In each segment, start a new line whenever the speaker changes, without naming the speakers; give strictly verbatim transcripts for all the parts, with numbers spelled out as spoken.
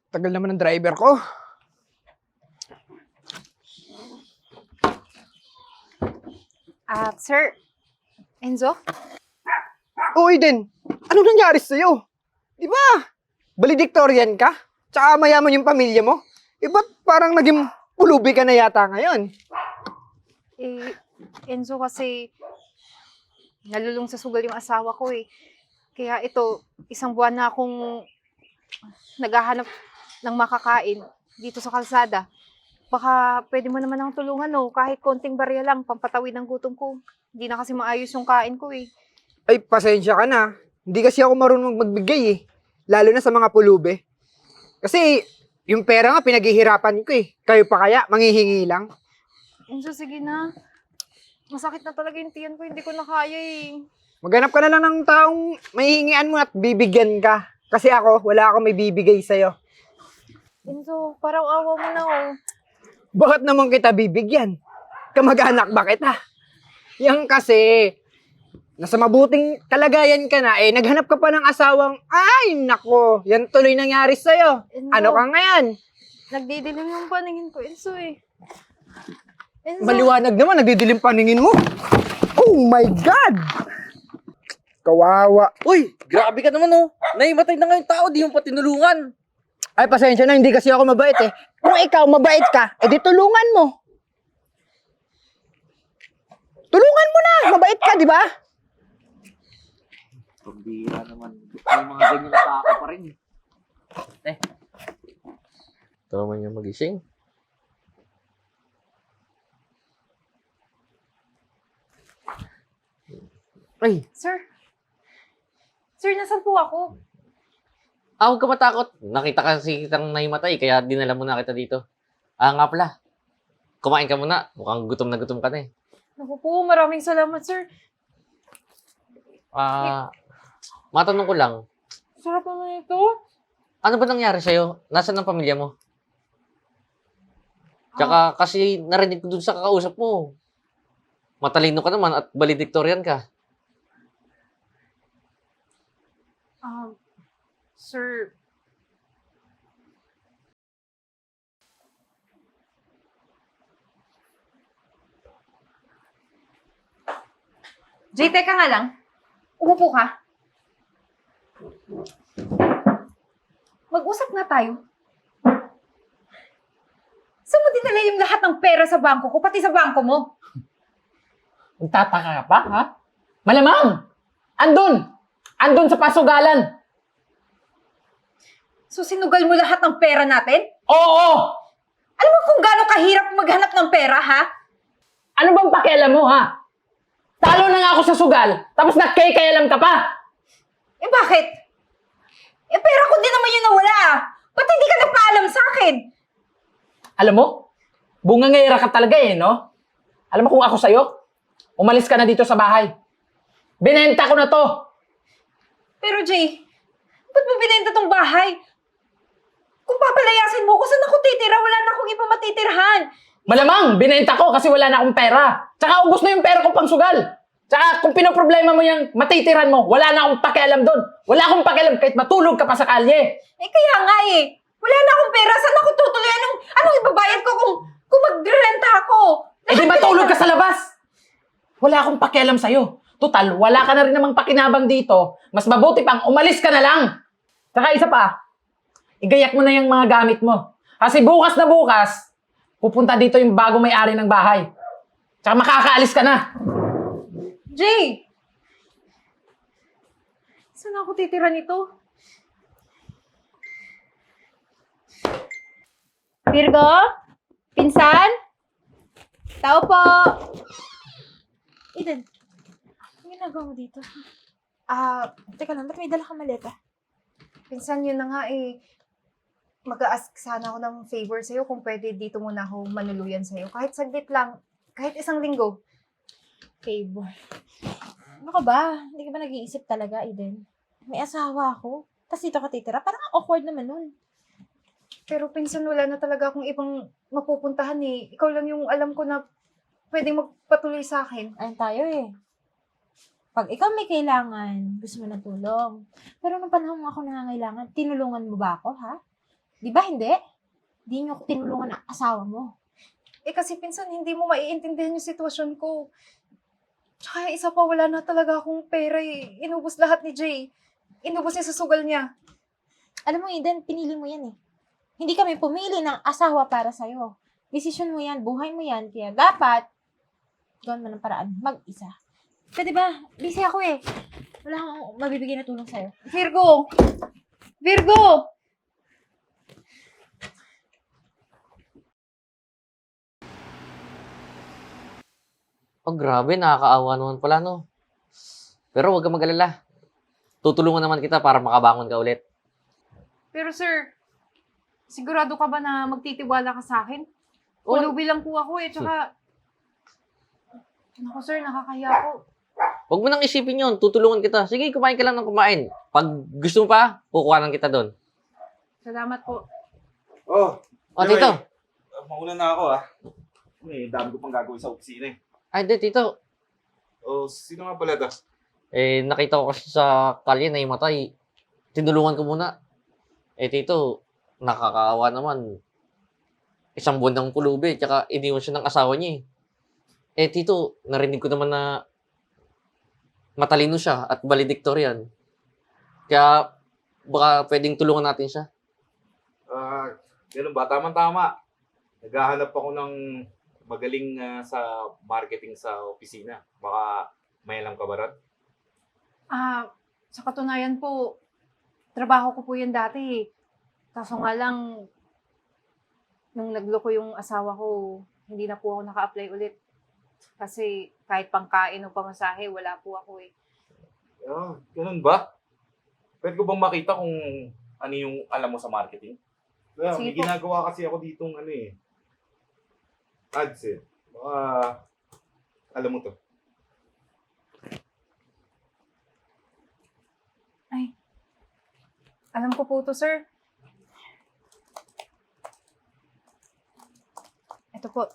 Tagal naman ng driver ko.
Ah, sir. Enzo?
Uy din, anong nangyari sa'yo? Di ba? Valedictorian ka? Tsaka mayaman yung pamilya mo? Eh, ba't parang naging pulubi ka na yata ngayon?
Eh, Enzo kasi nalulung sa sugal yung asawa ko eh. Kaya ito, isang buwan na akong naghahanap ng makakain dito sa kalsada. Baka pwede mo naman akong tulungan no, kahit konting barya lang, pampatawid ng gutom ko. Hindi na kasi maayos yung kain ko eh.
Ay, pasensya ka na. Hindi kasi ako marunong magbigay eh. Lalo na sa mga pulubi. Kasi, yung pera nga pinaghihirapan ko eh. Kayo pa kaya, manghihingi lang.
Enzo, sige na. Masakit na talaga yung tiyan ko, hindi ko na kaya eh.
Maghanap ka na lang ng taong mahihingian mo at bibigyan ka. Kasi ako, wala akong may bibigay sa'yo.
Enzo, parang awa mo na oh.
Bakit naman kita bibigyan? Kamag-anak ba kita? Yan kasi, nasa mabuting kalagayan ka na, eh, naghanap ka pa ng asawang, ay, nako, yan tuloy nangyari sa'yo.
Enzo,
Ano ka ngayon?
nagdidilim yung paningin ko, Enzo eh. Enzo.
Maliwanag naman, nagdidilim paningin mo. Oh my God! Kawawa.
Uy, grabe ka naman oh. Naimatay na nga yung tao, di mo pa tinulungan.
Ay, pasensya na, hindi kasi ako mabait eh. Kung ikaw mabait ka, edi tulungan mo. Tulungan mo na, mabait ka, di ba?
Pambira naman. May mga ganyan na tao pa rin. Eh. Ito naman yung magising. Ay,
Sir. Sir, nasan po ako?
ah, huwag ka matakot. Nakita kasi kitang naimatay, kaya dinala mo na kita dito. Ah, nga pala. Kumain ka muna. Mukhang gutom na gutom ka na eh.
Naku po, maraming salamat, sir.
Ah, matanong ko lang.
Sarap naman ito.
Ano ba nangyari sa'yo? Nasaan ang pamilya mo? Tsaka kasi narinig ko dun sa kakausap mo. Matalino ka naman at valedictorian ka.
Um, sir, Jay, teka nga lang. Umupo ka. Mag-usap nga tayo. Saan mo dinala yung lahat ng pera sa bangko ko, pati sa bangko mo?
Magtataka ka pa, ha? Malamang! Andun! Andun sa pasugalan!
So, sinugal mo lahat ng pera natin?
Oo!
Alam mo kung gaano kahirap maghanap ng pera, ha?
Ano bang pakialam mo, ha? Talo na nga ako sa sugal, tapos nagkay-kayalam ka pa!
Eh, bakit? Eh, pera ko din naman yung nawala, ah. Ba't hindi ka nagpaalam sa akin?
Alam mo, bungangera ka talaga eh, no? Alam mo kung ako sa'yo, umalis ka na dito sa bahay. Binenta ko na to!
Pero, Jay, ba't mo binenta tong bahay? Kung papalayasin mo ko, saan ako titira? Wala na akong iba matitirhan.
Malamang, binenta ko kasi wala na akong pera. Tsaka ubos na yung pera ko pang sugal. Tsaka kung pinoproblema mo yung matitiran mo, wala na akong pakialam doon. Wala akong pakialam kahit matulog ka pa sa kalye.
Eh, kaya nga eh. Wala na akong pera. Saan ako tutuloy? Anong, anong ibabayad ko kung, kung magrenta ako?
Eh di matulog ka sa labas! Wala akong pakialam sa'yo. Total, wala ka na rin namang pakinabang dito. Mas mabuti pang umalis ka na lang. Tsaka isa pa, igayak mo na yung mga gamit mo. Kasi bukas na bukas, pupunta dito yung bago may-ari ng bahay. Tsaka makakaalis ka na.
Jay! Saan ako titira nito? Virgo? Pinsan? Tao po! Eden, ang ginagawa mo dito? Ah, teka lang, ba't may dala kang maleta? Pinsan, yun na nga eh. Mag-a-ask sana ako ng favor sa'yo kung pwede dito muna ako manuluyan sa'yo. Kahit saglit lang, kahit isang linggo.
Favor. Ano ka ba? Hindi ka ba nag-iisip talaga, Eden? May asawa ako. Tapos dito ka titira. Parang awkward naman nun.
Pero pinsan, wala na talaga akong ibang mapupuntahan eh. Ikaw lang yung alam ko na pwedeng magpatuloy sa akin.
Ayun tayo eh. Pag ikaw may kailangan, gusto mo ng tulong. Pero nung panahon ako nangangailangan, tinulungan mo ba ako, ha? Di ba hindi? Di niyo ako tinulungan ng asawa mo.
Eh kasi pinsan, hindi mo maiintindihan yung sitwasyon ko. Tsaka yung isa pa, wala na talaga akong pera eh. Inubos lahat ni Jay. Inubos niya sa sugal niya.
Alam mo, Eden, pinili mo yan eh. Hindi kami pumili ng asawa para sa'yo. Desisyon mo yan, buhay mo yan. Kaya dapat, gawin mo ng paraan, mag-isa. Pwede ba? Busy ako eh. Wala akong mabibigay na tulong sa'yo.
Virgo! Virgo!
Oh, grabe, nakakaawa naman pala, no? Pero huwag ka mag-alala. Tutulungan naman kita para makabangon ka ulit.
Pero sir, sigurado ka ba na magtitiwala ka sa akin?
Oh.
Ulubi lang po ako eh, tsaka... Naku sir, nakakaya po.
Huwag mo nang isipin yun. Tutulungan kita. Sige, kumain ka lang ng kumain. Pag gusto mo pa, kukuhanan kita doon.
Salamat po.
Oh,
O,
Joey,
tito.
uh, mauna na ako ah. May dami ko pang gagawin sa opisina eh.
Ay, di, tito.
Oh, sino nga pala to?
Eh, nakita ko kasi sa kalye na imatay. Tinulungan ko muna. Eh, tito, nakakaawa naman. Isang buwan ng pulubi, tsaka iniwan siya ng asawa niya eh. Eh, tito, narinig ko naman na matalino siya at valedictorian. Kaya, baka pwedeng tulungan natin siya.
Ah, ganun ba? Tama-tama. Naghahanap ako ng magaling ah, sa marketing sa opisina. Baka may alam ka ba ron?
Ah, sa katunayan po, trabaho ko po yan dati. Kaso nga lang, nung nagloko yung asawa ko, hindi na po ako naka-apply ulit. Kasi kahit pangkain o pamasahe, wala po ako eh.
Ah, ganun ba? Pwede ko bang makita kung ano yung alam mo sa marketing? Kaya,
Sige
may
po.
ginagawa kasi ako ditong ano eh. Ads eh. Baka, alam mo to.
Ay, alam ko po to, sir. Ito po.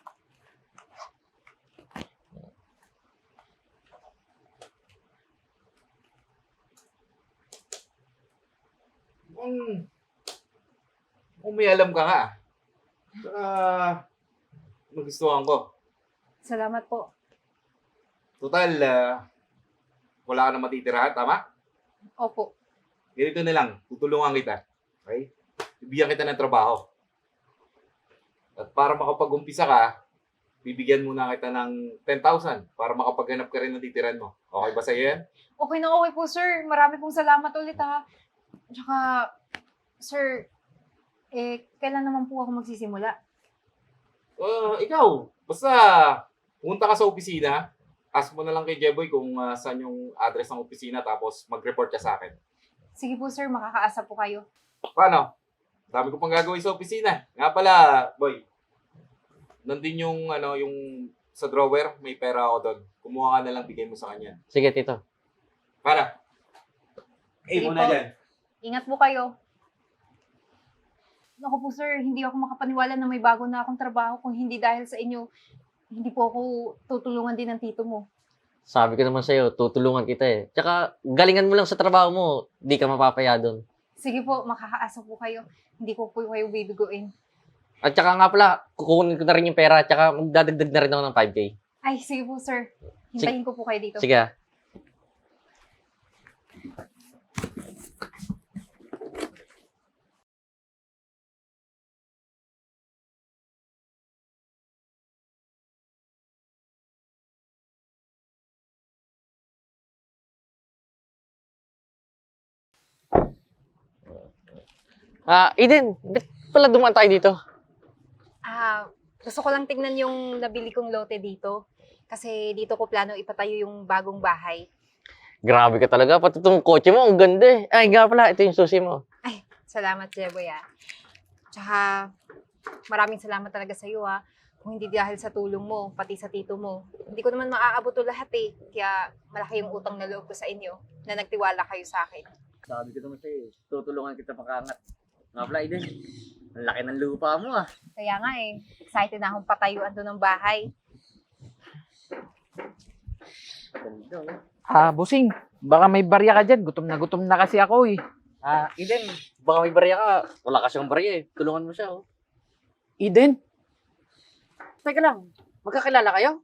Kung, kung may alam ka nga. Saka, magustuhan ko.
Salamat po.
Total, ah, wala ka na matitirahan, tama?
Opo.
Ganito na lang, tutulungan kita. Okay? Bibigyan kita ng trabaho. At para makapag-umpisa ka, bibigyan muna kita ng ten thousand para makapaghanap ka rin ng titiran mo. Okay ba sa'yo yan?
Okay na okay po, sir. Marami pong salamat ulit, ha. Tsaka, sir, eh, kailan naman po ako magsisimula?
Uh, ikaw, basta punta ka sa opisina, ask mo na lang kay Jeboy kung ah, saan yung address ng opisina tapos mag-report ka sa akin.
Sige po, sir. Makakaasa po kayo.
Paano? Dami ko pang gagawin sa opisina. Nga pala, boy. Nandun yung, ano, yung sa drawer, may pera ako doon. Kumuha ka na lang, bigay mo sa kanya.
Sige, tito.
Para. Eh,
Sige
muna
po.
dyan.
Ingat po kayo. Naku po, sir. Hindi ako makapaniwala na may bago na akong trabaho kung hindi dahil sa inyo. Hindi po ako tutulungan din ng tito mo.
Sabi ko naman sa'yo, tutulungan kita eh. Tsaka, galingan mo lang sa trabaho mo, di ka mapapaya doon.
Sige po, makakaasa po kayo. Hindi ko po kayo bibiguin.
At tsaka nga pala, kukunin ko na rin yung pera, tsaka magdadagdag na rin ako ng five K.
Ay, sige po, sir. Hintayin ko po kayo dito.
Sige ah. Ah, Eden, ba't pala dumaan tayo dito?
Ah, gusto ko lang tingnan yung nabili kong lote dito. Kasi dito ko plano ipatayo yung bagong bahay.
Grabe ka talaga, pati itong kotse mo, ang ganda eh. Ay, nga pala, ito yung susi mo.
Ay, salamat, Jeboy, ah. Tsaka, maraming salamat talaga sa iyo, ah. Kung hindi dahil sa tulong mo, pati sa tito mo. Hindi ko naman maaabot to lahat, eh. Kaya, malaki yung utang na loob ko sa inyo na nagtiwala kayo sa akin.
Sabi ko naman sa'yo, tutulungan kita pakangat. Nga pala, Eden, ang laki ng lupa mo ah.
Kaya nga, eh. Excited na akong patayuan doon ng bahay.
Ganda oh.
Ah, busing. Baka may barya ka dyan. Gutom na gutom na kasi ako eh. Ah, Eden,
Baka may barya ka. Wala ka siyang barya eh. Tulungan mo siya, oh.
Eden,
Teka lang, magkakilala kayo?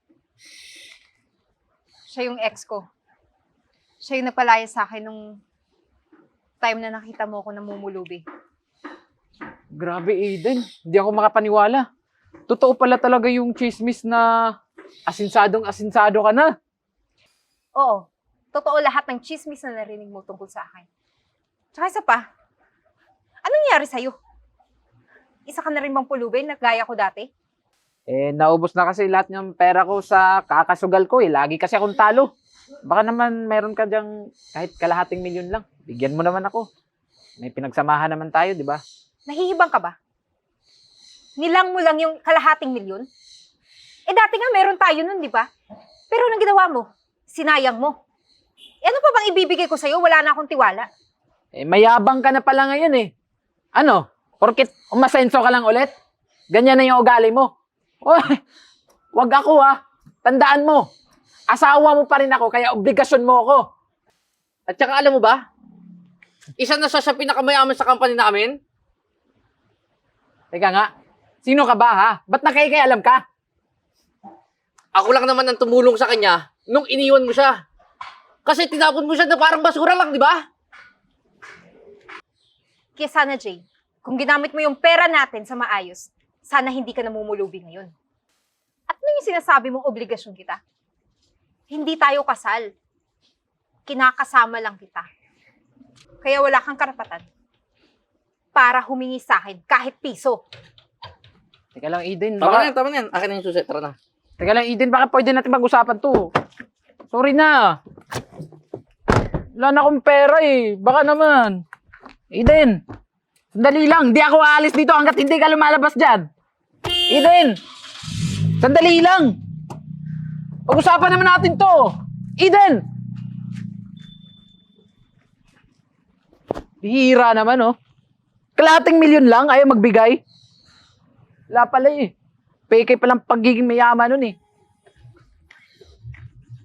Siya yung ex ko. Siya yung nagpalaya sa akin nung time na nakita mo ako namumulubi.
grabe Eden. Hindi ako makapaniwala. Totoo pala talaga yung chismis na asinsadong asinsado ka na.
Oo, totoo lahat ng chismis na narinig mo tungkol sa akin. Tsaka isa pa, anong nangyari sa'yo? Isa ka na rin bang pulubi na gaya ko dati?
Eh, naubos na kasi lahat ng pera ko sa kakasugal ko eh. Lagi kasi akong talo. Baka naman meron ka dyang kahit kalahating milyon lang. Bigyan mo naman ako. May pinagsamahan naman tayo, di ba?
Nahihibang ka ba? Nilang mo lang yung kalahating milyon? Eh dati nga meron tayo nun, di ba? Pero anong ginawa mo? Sinayang mo. Eh ano pa bang ibibigay ko sa'yo? Wala na akong tiwala.
Eh, mayabang ka na pala ngayon eh. Ano? Porkit umasenso ka lang ulit? Ganyan na yung ugali mo. Oy, wag ako ha. Tandaan mo. Asawa mo pa rin ako, kaya obligasyon mo ako.
At saka alam mo ba? Isa na siya sa pinakamayaman sa company namin.
Teka nga, sino ka ba ha? Ba't nakikialam ka?
Ako lang naman ang tumulong sa kanya nung iniwan mo siya. Kasi tinapon mo siya na parang basura lang, di ba?
Kaya sana, Jay, kung ginamit mo yung pera natin sa maayos, sana hindi ka namumulubi ngayon. At ano yung sinasabi mong obligasyon kita? Hindi tayo kasal. Kinakasama lang kita. Kaya wala kang karapatan para humingi sa akin kahit piso.
Teka lang Eden,
Tama na
baka,
yan, tama na yan. Akin na yung susi, tara na.
teka lang Eden, baka pwede natin pag-usapan to. Sorry na. Wala na akong pera eh. Baka naman. Eden, sandali lang. Di ako aalis dito hanggat hindi ka lumalabas dyan. Eden, sandali lang. Pag-usapan naman natin to. Eden! Bihira naman, oh. Kalahating milyon lang, ayaw magbigay. Wala pala eh. Peke palang pagiging mayaman nun eh.